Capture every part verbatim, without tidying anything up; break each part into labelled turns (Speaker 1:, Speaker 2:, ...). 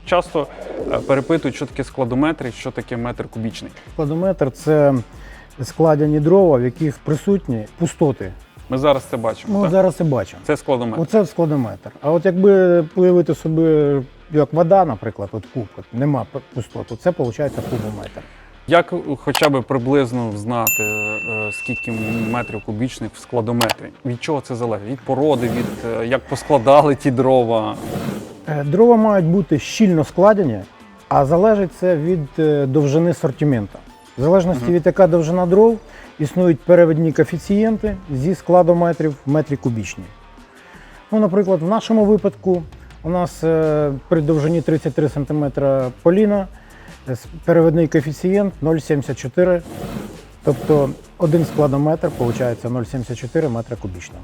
Speaker 1: часто перепитують, що таке складометр і що таке метр кубічний.
Speaker 2: Складометр – це складені дрова, в яких присутні пустоти.
Speaker 1: Ми зараз це бачимо,
Speaker 2: Ми
Speaker 1: так?
Speaker 2: зараз це бачимо.
Speaker 1: Це складометр.
Speaker 2: Оце складометр. А от якби уявити собі, як вода, наприклад, от куб, от нема пустот, то це виходить кубометр.
Speaker 1: Як хоча б приблизно знати, е, скільки метрів кубічних в складометрі? Від чого це залежить? Від породи, від е, як поскладали ті дрова?
Speaker 2: Е, Дрова мають бути щільно складені, а залежить це від е, довжини сортименту. В залежності
Speaker 1: Мгм.
Speaker 2: від яка довжина дров, існують перевідні коефіцієнти зі складометрів в метрі кубічні. Ну, наприклад, в нашому випадку у нас е, при довжині тридцять три сантиметри поліна е, с- перевідний коефіцієнт нуль цілих сімдесят чотири, тобто один складометр виходить нуль цілих сімдесят чотири метра кубічного.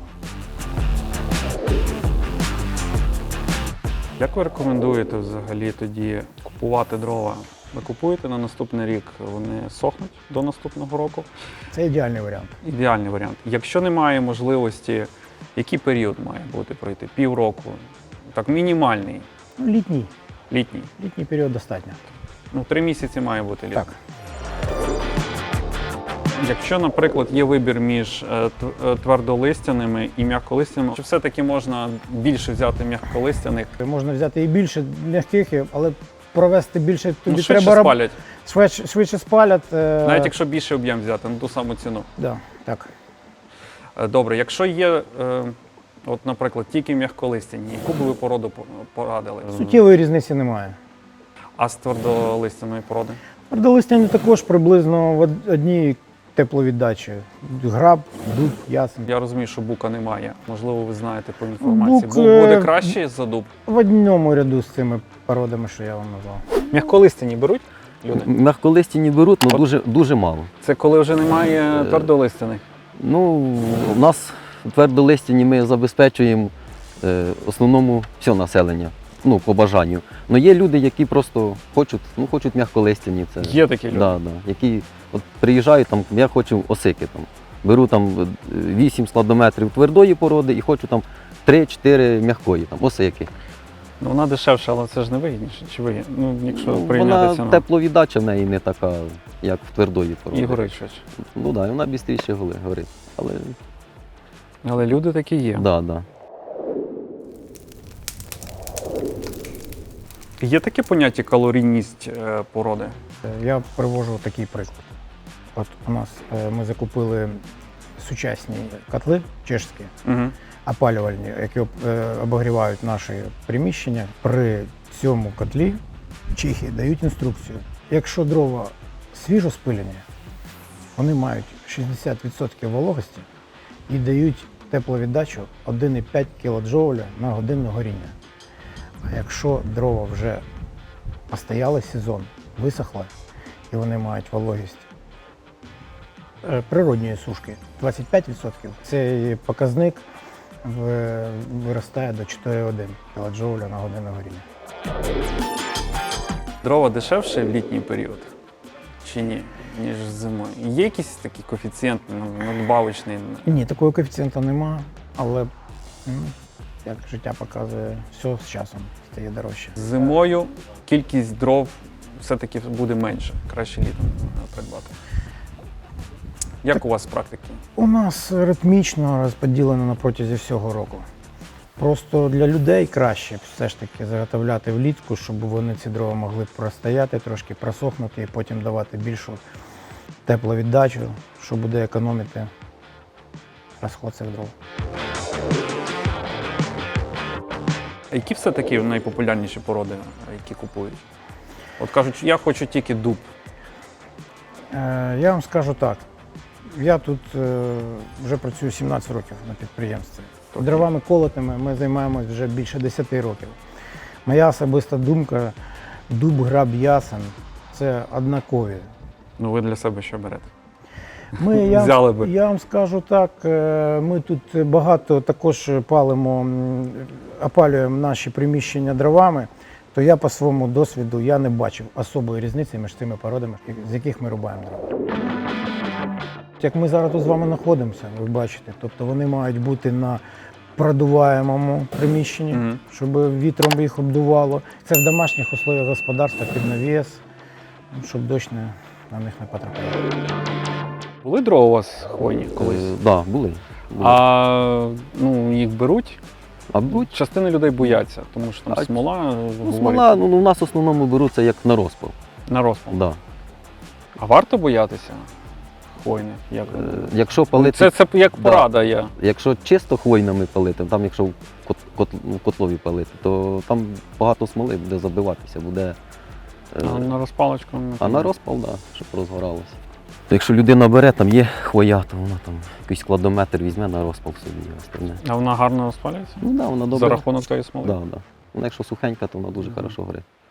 Speaker 1: Як ви рекомендуєте взагалі тоді купувати дрова? Ви купуєте на наступний рік, вони сохнуть до наступного року?
Speaker 2: Це ідеальний варіант.
Speaker 1: Ідеальний варіант. Якщо немає можливості, який період має бути пройти? Півроку? Так, мінімальний,
Speaker 2: Ну, літній.
Speaker 1: літній.
Speaker 2: Літній період достатньо.
Speaker 1: Ну, три місяці має бути літо.
Speaker 2: Так.
Speaker 1: Якщо, наприклад, є вибір між е, тв- е, твердолистяними і м'яколистяними, чи все-таки можна більше взяти м'яколистяних?
Speaker 2: Можна взяти і більше м'яких, і- але провести більше тобі
Speaker 1: Ну, швидше
Speaker 2: треба раб-
Speaker 1: спалять,
Speaker 2: Швидше, швидше спалять. е,
Speaker 1: навіть якщо більше об'єм взяти, на ту саму ціну.
Speaker 2: Да, так.
Speaker 1: Е, Добре, якщо є, е, от, наприклад, тільки м'яколистяні, яку би ви породу по- порадили?
Speaker 2: Суттєвої різниці немає.
Speaker 1: А з твердолистяної породи?
Speaker 2: Твердолистяні також приблизно в од- одній тепловіддачі. Граб, дуб, ясен.
Speaker 1: Я розумію, що бука немає. Можливо, ви знаєте по інформації.
Speaker 2: Бук,
Speaker 1: Бук
Speaker 2: е,
Speaker 1: буде краще за дуб?
Speaker 2: В одному ряду з цими породами, що я вам назвав.
Speaker 1: М'яколистяні беруть люди?
Speaker 3: Мягколистяні беруть, але
Speaker 1: От.
Speaker 3: дуже, дуже мало.
Speaker 1: Це коли вже немає
Speaker 3: Е,
Speaker 1: твердолистяних?
Speaker 3: Ну, у нас твердолистяні ми забезпечуємо е, основному все населення, ну, по бажанню. Але є люди, які просто хочуть, ну, хочуть м'яколистяні. Це,
Speaker 1: Є такі люди.
Speaker 3: да, да, які от приїжджають, там, я хочу осики. Там, беру там вісім складометрів твердої породи і хочу там три-чотири м'якої, там, осики.
Speaker 1: Ну, вона дешевша, але це ж не вигідніше. Чи вигідно? Ну, якщо
Speaker 3: Ну,
Speaker 1: прийняти
Speaker 3: вона
Speaker 1: ціну.
Speaker 3: тепловіддача в неї не така, як в твердої породи.
Speaker 1: І горить швидше.
Speaker 3: Ну так, да, вона швидше горить. Але
Speaker 1: Але люди такі є.
Speaker 3: да, да.
Speaker 1: Є таке поняття калорійність е, породи?
Speaker 2: Е, Я привожу такий приклад. От у нас е, ми закупили сучасні котли чешські,
Speaker 1: Угу.
Speaker 2: опалювальні, які об- е, обогрівають наші приміщення. При цьому котлі чехи дають інструкцію. Якщо дрова свіжо спилені, вони мають шістдесят відсотків вологості і дають тепловіддачу один цілих п'ять кілоджоуля на годину горіння. А якщо дрова вже постояли сезон, висохли, і вони мають вологість е, природньої сушки двадцять п'ять відсотків, цей показник в- виростає до чотири цілих одна кілоджоуля на годину горіння.
Speaker 1: Дрова дешевше в літній період? Чи ні? Ніж зимою. Є якийсь такий коефіцієнт ну, надбавочний?
Speaker 2: Ні, такого коефіцієнта нема, але м, як життя показує, все з часом стає дорожче.
Speaker 1: Зимою кількість дров все-таки буде менше. Краще літом придбати. Як у вас з практики?
Speaker 2: У нас ритмічно розподілено на протязі всього року. Просто для людей краще все ж таки заготовляти влітку, щоб вони ці дрова могли простояти, трошки просохнути і потім давати більшу тепловіддачу, що буде економити розход цих дров.
Speaker 1: Які все-таки найпопулярніші породи, які купують? От кажуть, я хочу тільки дуб.
Speaker 2: Е, Я вам скажу так, я тут е, вже працюю сімнадцять років на підприємстві. Дровами колотими ми займаємось вже більше десяти років. Моя особиста думка, дуб, граб, ясен – це однакові.
Speaker 1: Ну ви для себе що берете?
Speaker 2: Ми, я,
Speaker 1: Взяли би.
Speaker 2: я вам скажу так, е, ми тут багато також палимо, м, опалюємо наші приміщення дровами, то я по своєму досвіду я не бачив особої різниці між цими породами, з яких ми рубаємо дрова. Як ми зараз тут з вами знаходимося, ви бачите, тобто вони мають бути на продуваємому приміщенні,
Speaker 1: Мгм.
Speaker 2: щоб вітром їх обдувало. Це в домашніх условиях господарства під навіс, щоб дощ не, на них не потрапляв.
Speaker 1: Були дрова у вас хвойні колись?
Speaker 3: Так, да, були. були.
Speaker 1: А ну, їх беруть?
Speaker 3: А беруть?
Speaker 1: Частина людей бояться, тому що там
Speaker 3: А,
Speaker 1: смола,
Speaker 3: Ну,
Speaker 1: говорять,
Speaker 3: смола, ну, у нас в основному беруться як на розпал.
Speaker 1: на розпал.
Speaker 3: Да.
Speaker 1: А варто боятися хвойних? Як?
Speaker 3: Е, Якщо палити,
Speaker 1: Це, це як
Speaker 3: Да.
Speaker 1: порада є.
Speaker 3: якщо чисто хвойними палити, там якщо в кот, кот, в котлові палити, то там багато смоли буде забиватися, буде. е,
Speaker 1: А на розпалочку? не
Speaker 3: А на
Speaker 1: знаю.
Speaker 3: розпал, так, да, щоб розгоралося. Якщо людина бере, там є хвоя, то вона там якийсь складометр візьме на розпал собі і остальне.
Speaker 1: А вона гарно розпалюється?
Speaker 3: Ну так, да, вона
Speaker 1: За
Speaker 3: добре.
Speaker 1: рахунок тої смоли?
Speaker 3: Да, да. Вона якщо сухенька, то вона дуже
Speaker 1: Мгм.
Speaker 3: хорошо горить.